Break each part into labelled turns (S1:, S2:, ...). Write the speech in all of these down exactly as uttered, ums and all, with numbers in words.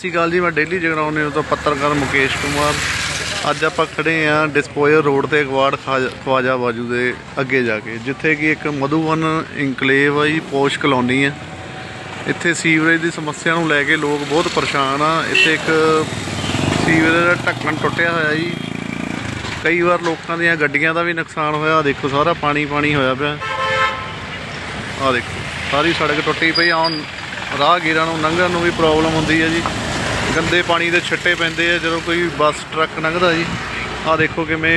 S1: ਸਤਿ ਸ਼੍ਰੀ ਅਕਾਲ जी, मैं daily जगराउं news तो पत्रकार मुकेश कुमार। अज आप खड़े हाँ डिस्पोजर रोड से अगवाड़ ख्वाजा बाजू के अगे जाके, जिथे कि एक मधुबन इंकलेव है जी, पोश कलोनी है। इत्थे सीवरेज की समस्या को लैके लोग बहुत परेशान आ। इत्थे एक सीवरेज का ढक्कन टुटिया होया जी, कई बार लोगों दी गड्डियां का भी नुकसान होया। देखो सारा पानी पानी होया पिया, आ देखो सारी सड़क टुटी पई। आउण राहगीरां नूं लंघण नूं भी प्रॉब्लम हुंदी है जी, गंदे पानी के छिट्टे पैंदे आ जो कोई बस ट्रक लंघदा जी। आ देखो किवें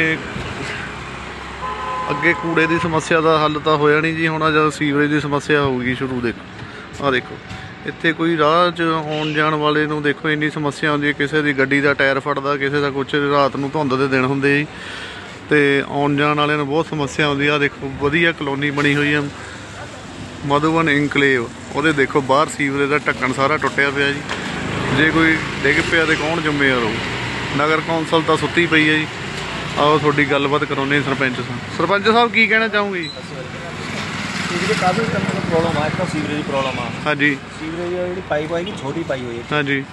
S1: अगे कूड़े की समस्या का हल तो होया नहीं जी, हुण जब सीवरेज की समस्या होगी शुरू। देखो आ देखो इत्थे कोई राह च आउण जाण वाले नूं देखो इन्नी समस्या आउंदी है। किसी की गड्डी का टायर फटदा, किसी का कुछ, रात नूं धुंद दे दिन हुंदे जी, ते आउण जाण वाले नूं बहुत समस्या आउंदी आ। देखो वधिया कलोनी बनी हुई है मधुबन इंकलेव, वो देखो बाहर सीवरेज का ढक्कन सारा टुटिया पिया जी। जे कोई डिग पिया तो कौन जिम्मेवार हो? नगर कौंसल तो सुत्ती पई है जी। आओ थोड़ी गलबात कराने सरपंच साहब। सरपंच साहब की कहना चाहूँगी?
S2: काफ़ी प्रॉब्लम है, एक तो सीवरेज की प्रॉब्लम है।
S1: हाँ जी,
S2: सीवरेज जी पाइप आएगी छोटी पाई हुई है।
S1: हाँ जी,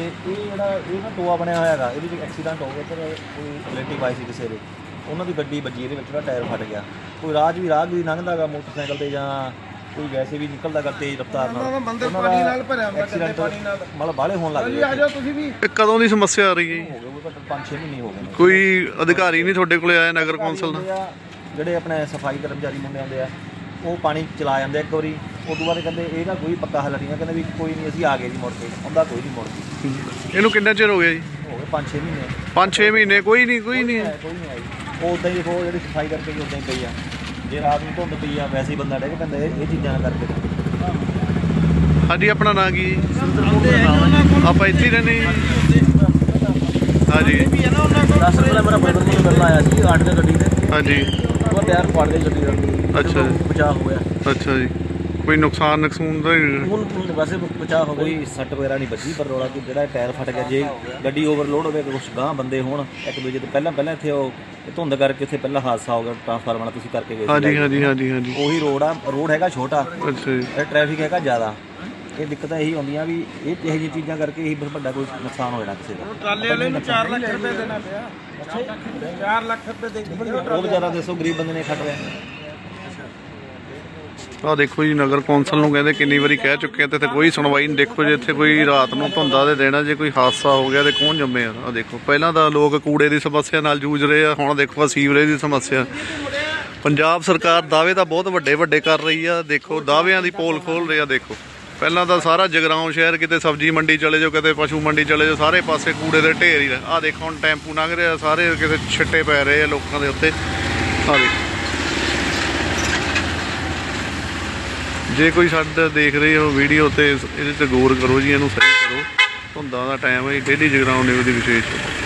S2: ये टोआ बनया होया है, ये एक्सीडेंट हो गया इधर, कोई रिलेटिव आई सी किसी ने, उन्होंने गड्डी बजी, ये टायर फट गया। कोई राज भी राह भी लंघदा गा मोटरसाइकिल से, या कोई वैसे भी निकलदा गा तेज रफ्तार नाल, एक्सीडेंट मतलब बाहले होण लग गए।
S1: कदों की समस्या आ रही है?
S2: हो गए पाँच छे महीने हो गए।
S1: कोई अधिकारी नहीं थोड़े कोले आया नगर कौंसल का?
S2: ਜਿਹੜੇ ਆਪਣੇ ਸਫਾਈ ਕਰਮਚਾਰੀ ਮੁੰਡੇ ਆਉਂਦੇ ਆ ਉਹ ਪਾਣੀ ਚਲਾ ਜਾਂਦੇ ਇੱਕ ਵਾਰੀ, ਉਦੋਂ ਬਾਅਦ ਕਹਿੰਦੇ ਇਹਦਾ ਕੋਈ ਪੱਕਾ ਹੱਲ ਨਹੀਂ ਹੈ, ਕਹਿੰਦੇ ਵੀ ਕੋਈ ਨਹੀਂ ਅਸੀਂ ਆ ਗਏ ਜੀ ਮੁੜ ਕੇ, ਆਉਂਦਾ ਕੋਈ ਨਹੀਂ ਮੁੜ ਕੇ।
S1: ਇਹਨੂੰ ਕਿੰਨਾ ਚਿਰ ਹੋ ਗਿਆ ਜੀ?
S2: ਹੋ ਗਏ ਪੰਜ ਛੇ ਮਹੀਨੇ।
S1: ਪੰਜ ਛੇ ਮਹੀਨੇ ਕੋਈ ਨਹੀਂ ਕੋਈ ਨਹੀਂ
S2: ਕੋਈ ਨਹੀਂ ਆਈ। ਉਹ ਉੱਦਾਂ ਹੀ ਦੇਖੋ ਜਿਹੜੀ ਸਫਾਈ ਕਰਕੇ ਵੀ ਉੱਦਾਂ ਹੀ ਪਈ ਆ, ਜੇ ਰਾਤ ਨੂੰ ਧੁੰਦ ਪਈ ਆ ਵੈਸੇ ਹੀ ਬੰਦਾ ਡਿੱਗ ਪੈਂਦਾ ਇਹ ਚੀਜ਼ਾਂ ਕਰਕੇ।
S1: ਹਾਂਜੀ, ਆਪਣਾ ਨਾਂ ਕੀ? ਆਪਾਂ ਇੱਥੇ ਹੀ ਰਹਿੰਦੇ ਜੀ। ਹਾਂਜੀ,
S2: ਦਸ ਰੁਪਏ ਮੇਰਾ ਬਦਲ ਮੈਨੂੰ ਮਿਲਣ ਆਇਆ ਸੀ ਆठ ਦੇ ਗੱਡੀ ਤੇ।
S1: ਹਾਂਜੀ,
S2: ਉਹ ਟਾਇਰ ਫੜ ਗਈ ਗੱਡੀ ਦਾ।
S1: ਅੱਛਾ ਜੀ,
S2: ਬਚਾਅ ਹੋ ਗਿਆ।
S1: ਅੱਛਾ ਜੀ, ਕੋਈ ਨੁਕਸਾਨ ਨੁਕਸਾਨ ਤਾਂ
S2: ਹੁਣ ਵੈਸੇ ਬਚਾਅ ਹੋ ਗਈ, ਸੱਟ ਵਗੈਰਾ ਨਹੀਂ ਵੱਜੀ, ਪਰ ਰੌਲਾ ਕਿ ਜਿਹੜਾ ਟਾਇਰ ਫਟ ਗਿਆ, ਜੇ ਗੱਡੀ ਓਵਰਲੋਡ ਹੋਵੇ ਕੁਛ ਗਾਂਹ ਬੰਦੇ ਹੋਣ ਇੱਕ ਦੂਜੇ ਤੋਂ ਪਹਿਲਾਂ ਪਹਿਲਾਂ ਇੱਥੇ ਉਹ ਧੁੰਦ ਕਰਕੇ ਇੱਥੇ ਪਹਿਲਾਂ ਹਾਦਸਾ ਹੋ ਗਿਆ ਟਰਾਂਸਫਾਰਮਰ ਨਾਲ, ਤੁਸੀਂ ਕਰਕੇ ਗਏ ਸੀ।
S1: ਹਾਂਜੀ ਹਾਂਜੀ ਹਾਂਜੀ ਹਾਂਜੀ,
S2: ਉਹੀ ਰੋਡ ਆ, ਰੋਡ ਹੈਗਾ ਛੋਟਾ,
S1: ਅੱਛਾ ਜੀ,
S2: ਇਹ ਟ੍ਰੈਫਿਕ ਹੈਗਾ ਜ਼ਿਆਦਾ। ਇਹ ਦਿੱਕਤਾਂ ਇਹੀ ਆਉਂਦੀਆਂ ਵੀ ਇਹ ਇਹੋ ਜਿਹੀਆਂ ਚੀਜ਼ਾਂ ਕਰਕੇ ਇਹੀ ਵੱਡਾ ਕੋਈ ਨੁਕਸਾਨ ਹੋ ਜਾਣਾ ਕਿਸੇ ਦਾ।
S3: ਟਰਾਲੇ ਵਾਲੇ ਨੂੰ ਚਾਰ ਲੱਖ ਰੁਪਏ ਦੇਣਾ ਪਿਆ। ਚਾਰ ਲੱਖ ਰੁਪਏ ਦੇ ਕੇ
S2: ਉਹ ਵਿਚਾਰਾ ਦੱਸੋ ਗਰੀਬ ਬੰਦੇ ਨੇ ਖੱਟ ਰਿਹਾ।
S1: ਆ ਦੇਖੋ ਜੀ, ਨਗਰ ਕੌਂਸਲ ਨੂੰ ਕਹਿੰਦੇ ਕਿੰਨੀ ਵਾਰੀ ਕਹਿ ਚੁੱਕੇ ਤੇ ਇੱਥੇ ਕੋਈ ਸੁਣਵਾਈ ਨਹੀਂ। ਦੇਖੋ ਜੇ ਇੱਥੇ ਕੋਈ ਰਾਤ ਨੂੰ ਧੁੰਦਾ ਦੇ ਦੇਣਾ, ਜੇ ਕੋਈ ਹਾਦਸਾ ਹੋ ਗਿਆ ਤੇ ਕੌਣ ਜ਼ਿੰਮੇਵਾਰ? ਆ ਦੇਖੋ ਪਹਿਲਾਂ ਤਾਂ ਲੋਕ ਕੂੜੇ ਦੀ ਸਮੱਸਿਆ ਨਾਲ ਜੂਝ ਰਹੇ ਆ, ਹੁਣ ਦੇਖੋ ਸੀਵਰੇਜ ਦੀ ਸਮੱਸਿਆ। ਪੰਜਾਬ ਸਰਕਾਰ ਦਾਅਵੇ ਤਾਂ ਬਹੁਤ ਵੱਡੇ ਵੱਡੇ ਕਰ ਰਹੀ ਆ, ਦੇਖੋ ਦਾਅਵਿਆਂ ਦੀ ਪੋਲ ਖੋਲ ਰਹੀ ਆ। ਦੇਖੋ ਪਹਿਲਾਂ ਤਾਂ ਸਾਰਾ ਜਗਰਾਉਂ ਸ਼ਹਿਰ, ਕਿਤੇ ਸਬਜ਼ੀ ਮੰਡੀ ਚਲੇ ਜਾਓ, ਕਿਤੇ ਪਸ਼ੂ ਮੰਡੀ ਚਲੇ ਜਾਓ, ਸਾਰੇ ਪਾਸੇ ਕੂੜੇ ਦੇ ਢੇਰ ਹੀ। ਆ ਦੇਖੋ ਹੁਣ ਟੈਂਪੂ ਲੰਘ ਰਿਹਾ, ਸਾਰੇ ਕਿਤੇ ਛਿੱਟੇ ਪੈ ਰਹੇ ਆ ਲੋਕਾਂ ਦੇ ਉੱਤੇ। ਆ ਦੇਖੋ, ਜੇ ਕੋਈ ਸਾਡਾ ਦੇਖ ਰਹੇ ਹੋ ਵੀਡੀਓ ਤੇ ਇਹਦੇ 'ਤੇ ਗੌਰ ਕਰੋ ਜੀ, ਇਹਨੂੰ ਸਹੀ ਕਰੋ। ਧੁੰਦਾਂ ਦਾ ਟਾਈਮ ਹੈ, ਡੇਲੀ ਜਗਰਾਉਂ ਨਿਊਜ਼ ਦੀ ਵਿਸ਼ੇਸ਼